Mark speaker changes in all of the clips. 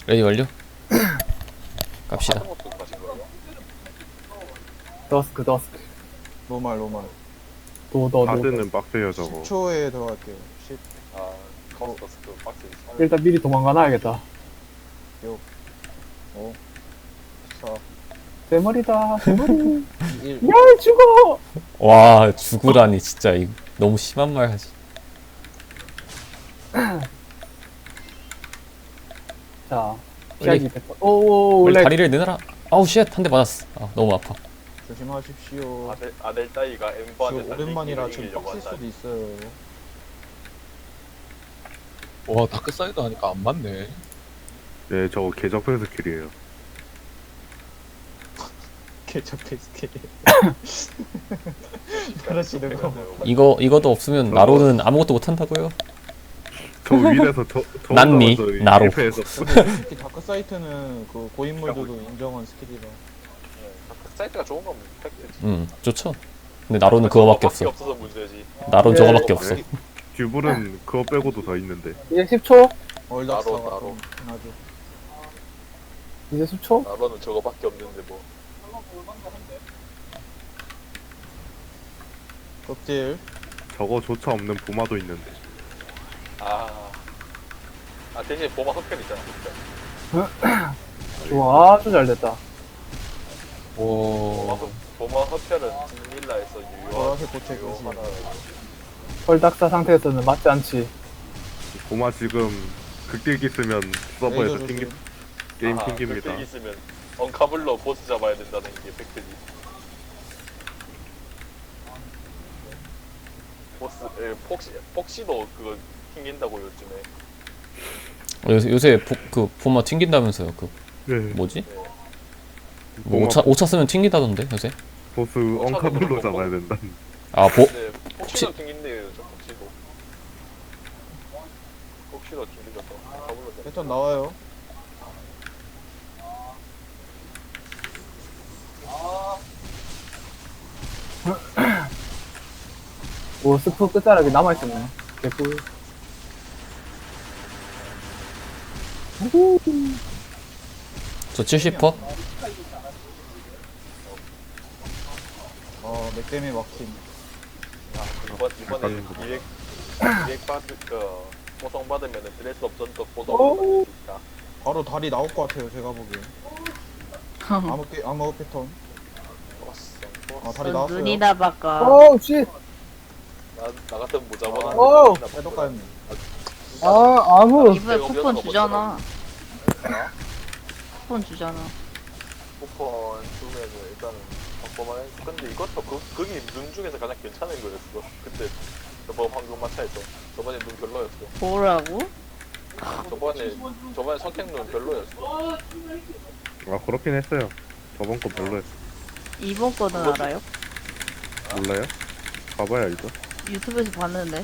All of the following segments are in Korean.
Speaker 1: 레디 완료? 갑시다.
Speaker 2: 하드모드 가신 거예요?
Speaker 3: 더스크
Speaker 4: 노말
Speaker 3: 도더
Speaker 5: 하드는 빡세요 저거.
Speaker 4: 10초에 들어갈게요. 10,
Speaker 2: 아 카운터스 그 박스
Speaker 3: 일단 미리 도망가놔야겠다.
Speaker 4: 5, 4,
Speaker 3: 대머리다 대머리
Speaker 4: 1.
Speaker 3: 야 죽어.
Speaker 1: 와 죽으라니 진짜 이 너무 심한 말 하지.
Speaker 3: 자
Speaker 1: 빨리.
Speaker 3: 피하기 100번. 오오
Speaker 1: 빨리
Speaker 3: 렉.
Speaker 1: 다리를 내놔라. 아우 쉣 한 대 맞았어. 아 너무 아파.
Speaker 4: 조심하십시오.
Speaker 2: 아델 따위가 엠버한테
Speaker 4: 지금 오랜만이라 좀 빡셀 수도 있어요.
Speaker 6: 와 다크사이드 하니까 안 맞네.
Speaker 5: 네 저거 개접근 스킬이에요.
Speaker 4: 개척 페스티. 그러시는 거.
Speaker 1: 이거도 없으면 나로는 아무것도 못 한다고요.
Speaker 5: 저 위에서 저
Speaker 1: 난니, 나로.
Speaker 5: 실패해서
Speaker 4: 특히 다크 사이트는 그 고인물들도 인정한 스킬이라.
Speaker 2: 사이트가 좋은 건 팩트지.
Speaker 1: 좋죠. 근데 나로는 그거밖에 없어.
Speaker 2: 없어서 문제지.
Speaker 1: 나로는
Speaker 3: 예.
Speaker 1: 저거밖에 없어.
Speaker 5: 듀블은 그거 빼고도 더 있는데.
Speaker 3: 이제 10초.
Speaker 4: 얼닥사가
Speaker 2: 나로.
Speaker 4: 좀 하죠.
Speaker 3: 이제 10초.
Speaker 2: 나로는 저거밖에 없는데 뭐.
Speaker 4: 껍질.
Speaker 5: 저거조차 없는 보마도 있는데.
Speaker 2: 아 대신 보마 속편 있잖아. 속편.
Speaker 3: 좋아 아주 잘 됐다.
Speaker 6: 와
Speaker 2: 보마 속편은 진밀라에서
Speaker 4: 보라색 고체
Speaker 2: 유효
Speaker 4: 교시.
Speaker 2: 하나.
Speaker 3: 헐닥사 상태에서는 맞지 않지.
Speaker 5: 보마 지금 극딜기 쓰면 서버에서
Speaker 4: 레이저 조심.
Speaker 5: 게임 튕깁니다.
Speaker 2: 그때 있으면 언카블로 보스 잡아야 된다는 게 팩트지. 보스 폭시도 그거 튕긴다고 요즘에.
Speaker 1: 요새 그 보마 튕긴다면서요. 그
Speaker 5: 네.
Speaker 1: 뭐지?
Speaker 5: 보마
Speaker 1: 뭐 오차 쓰면 튕기다던데 요새?
Speaker 5: 보스 엉카블로 잡아야 된다.
Speaker 1: 아
Speaker 2: 네, 폭시도 튕긴대요, 저 폭시도. 폭시도 튕기져서 언카블로 잡.
Speaker 4: 패턴 나와요.
Speaker 3: 오 스프 끝자락이 남아있었네. 개꿀.
Speaker 1: 저 70%?
Speaker 4: 맥댐이 막힘.
Speaker 2: 이번에 200 받을 포성 받으면은 드레스 없던 거 포성
Speaker 3: 오.
Speaker 2: 받을 수 있다.
Speaker 4: 바로 다리 나올 것 같아요, 제가 보기엔. 암흑 패턴. 아, 다리 나왔어요.
Speaker 7: 눈이나 바꿔.
Speaker 3: 오우 씨.
Speaker 2: 나 같은 모자보다.
Speaker 3: 오!
Speaker 4: 해독가였네.
Speaker 3: 아 아무.
Speaker 7: 이번에 쿠폰 주잖아. 쿠폰 주잖아.
Speaker 2: 쿠폰 주면은 일단은 바꿔만 해. 근데 이것도 그게 눈 중에서 가장 괜찮은 거였어. 그때 저번 황금 마차에서 저번에 눈 별로였어.
Speaker 7: 뭐라고?
Speaker 2: 저번에 선택눈 별로였어.
Speaker 5: 아 그렇긴 했어요. 저번 거 별로였어.
Speaker 7: 이번 거는 알아요?
Speaker 5: 몰라요? 가봐야 알죠.
Speaker 7: 유튜브에서 봤는데.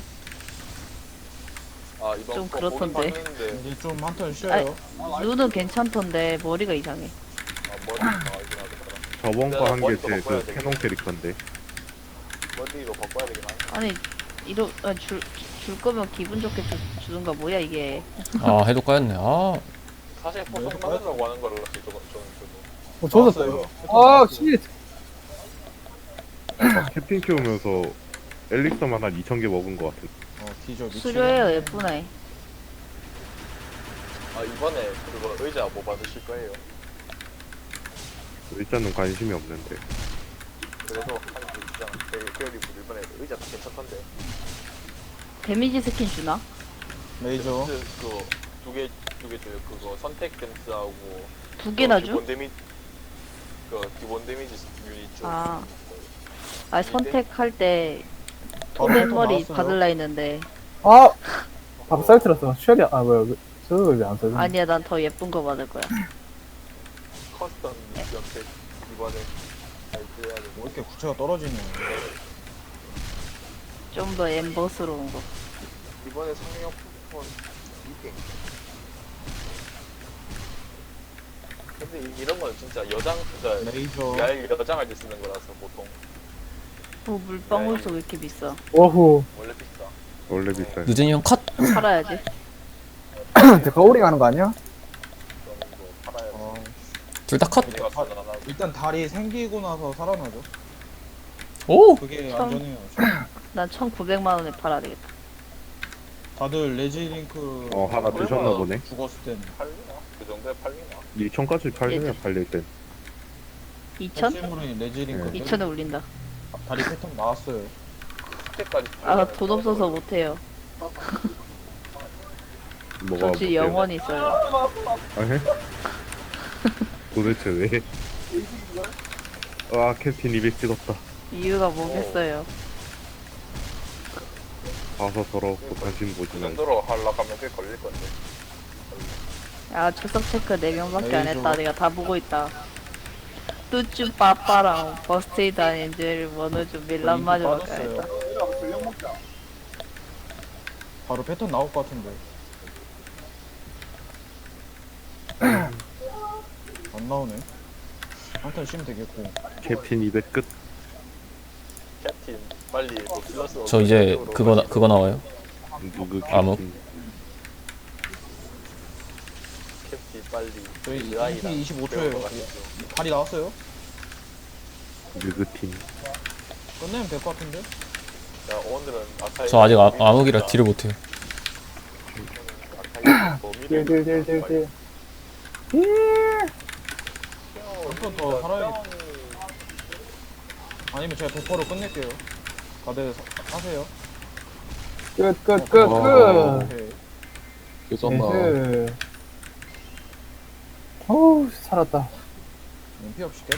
Speaker 2: 아 이번
Speaker 7: 좀
Speaker 2: 거
Speaker 7: 그렇던데.
Speaker 2: 보긴 봤는데
Speaker 4: 이제 좀 한 턴 쉬어요.
Speaker 7: 눈은 괜찮던데 머리가 이상해.
Speaker 2: 머리 나가긴 하더라.
Speaker 5: 저번 거 한 게
Speaker 2: 머리도
Speaker 5: 제
Speaker 2: 바꿔야
Speaker 5: 그
Speaker 2: 되겠다.
Speaker 5: 캐논 캐릭터인데.
Speaker 2: 머리로 바꿔야 되긴 하네.
Speaker 7: 아니 줄 거면 기분 좋게 주든가 뭐야 이게.
Speaker 1: 아 해독가였네. 아
Speaker 2: 사실 포성 받으려고 하는 거라 저는 저도.
Speaker 3: 조졌어요. 아 씨.
Speaker 5: 캡틴 키우면서 엘릭서만 한 2,000개 먹은 것 같은.
Speaker 4: 뒤져, 미친.
Speaker 7: 수료해요 예쁘네.
Speaker 2: 아 이번에 그거 의자 뭐 받으실 거예요?
Speaker 5: 일단은 관심이 없는데.
Speaker 2: 그래서 한 주장 계열이 이번에 의자 다 괜찮던데.
Speaker 7: 데미지 스킨 주나?
Speaker 4: 레이저.
Speaker 2: 그두개 줘요. 그거 선택 댐스하고
Speaker 7: 두 개나 줘?
Speaker 2: 기본 데미지 유닛 줘.
Speaker 7: 아. 아 선택할 때
Speaker 4: 바로
Speaker 7: 토맨
Speaker 4: 패턴
Speaker 7: 머리
Speaker 4: 나왔어요.
Speaker 7: 받을라 했는데
Speaker 3: 아. 밥살 틀었어. 쉐리 아 뭐야 저거 왜 안 써져?
Speaker 7: 아니야 난 더 예쁜 거 받을 거야.
Speaker 2: 커스텀 연택 이번에 잘 해야 돼.
Speaker 4: 왜 이렇게 구체가 떨어지냐.
Speaker 7: 좀 더 엠버스러운 거.
Speaker 2: 이번에 상영 쿠폰 이게. 근데 이런 건 진짜
Speaker 4: 레이저.
Speaker 2: 야일 여장할 때 쓰는 거라서 보통
Speaker 7: 뭐 물방울소 왜 이렇게 비싸?
Speaker 3: 오후.
Speaker 2: 원래 비싸.
Speaker 5: 원래 비싸요.
Speaker 1: 늦은이 형 컷.
Speaker 7: 팔아야지.
Speaker 3: 데카오링 하는 거 아니야?
Speaker 1: 둘 다 컷.
Speaker 2: 내가 살아나고.
Speaker 4: 일단 다리 생기고 나서 살아나죠.
Speaker 1: 오!
Speaker 4: 그게
Speaker 7: 참.
Speaker 4: 안전해요.
Speaker 7: 난 1,900만 원에 팔아야 되겠다.
Speaker 4: 다들 레지링크
Speaker 5: 하나 드셨나 보네.
Speaker 4: 죽었을 때는
Speaker 2: 팔리나? 그 정도에 팔리나?
Speaker 5: 2천까지 팔리면 팔릴 땐.
Speaker 7: 2,000?
Speaker 4: 실물이 레지링크
Speaker 5: 네.
Speaker 7: 2,000에 올린다.
Speaker 4: 다리 패턴 나왔어요.
Speaker 2: 그때까지.
Speaker 7: 아, 돈 없어서 못해요.
Speaker 5: 뭐가
Speaker 7: 저 지금 영원히 있어요.
Speaker 5: 해? 도대체 왜? 와 캡틴 200 찍었다.
Speaker 7: 이유가 뭐겠어요.
Speaker 5: 봐서 더럽고 관심 보지
Speaker 2: 그
Speaker 5: 말고.
Speaker 2: 정도로 하려고 하면 꽤 걸릴 건데.
Speaker 7: 아, 출석 체크 4명밖에 안
Speaker 4: 에이,
Speaker 7: 했다. 내가 다 보고 있다. 뚜쭈 빠빠랑 버스테이드 아닌줄 원우주 밀란마저밖에 안 했다.
Speaker 4: 바로 패턴 나올 것 같은데. 안 나오네. 한턴 쉬면 되겠고.
Speaker 5: 캡틴 200 끝.
Speaker 2: 캡틴 빨리 뭐 플러스.
Speaker 1: 저 이제 그거 나와요.
Speaker 5: 누구 캡틴?
Speaker 1: 암흑?
Speaker 2: 캡틴 빨리.
Speaker 4: 저희
Speaker 2: 의아이다.
Speaker 4: 25초예요.
Speaker 2: 배우러 가시죠.
Speaker 4: 다리 나왔어요?
Speaker 5: 누구팀?
Speaker 4: 끝내면 될 것 같은데?
Speaker 2: 야 오늘은 아카이.
Speaker 1: 저 아직 암흑이라 딜을 못해요.
Speaker 2: 아카이 범위를.
Speaker 3: 딜딜딜딜딜.
Speaker 4: 한 턴 더 살아야겠다. 아니면 제가 100%로 끝낼게요. 다들 하세요.
Speaker 3: 끝.
Speaker 4: 오케이.
Speaker 6: 깨졌나.
Speaker 3: 어우, 살았다.
Speaker 4: 피 없이 깨.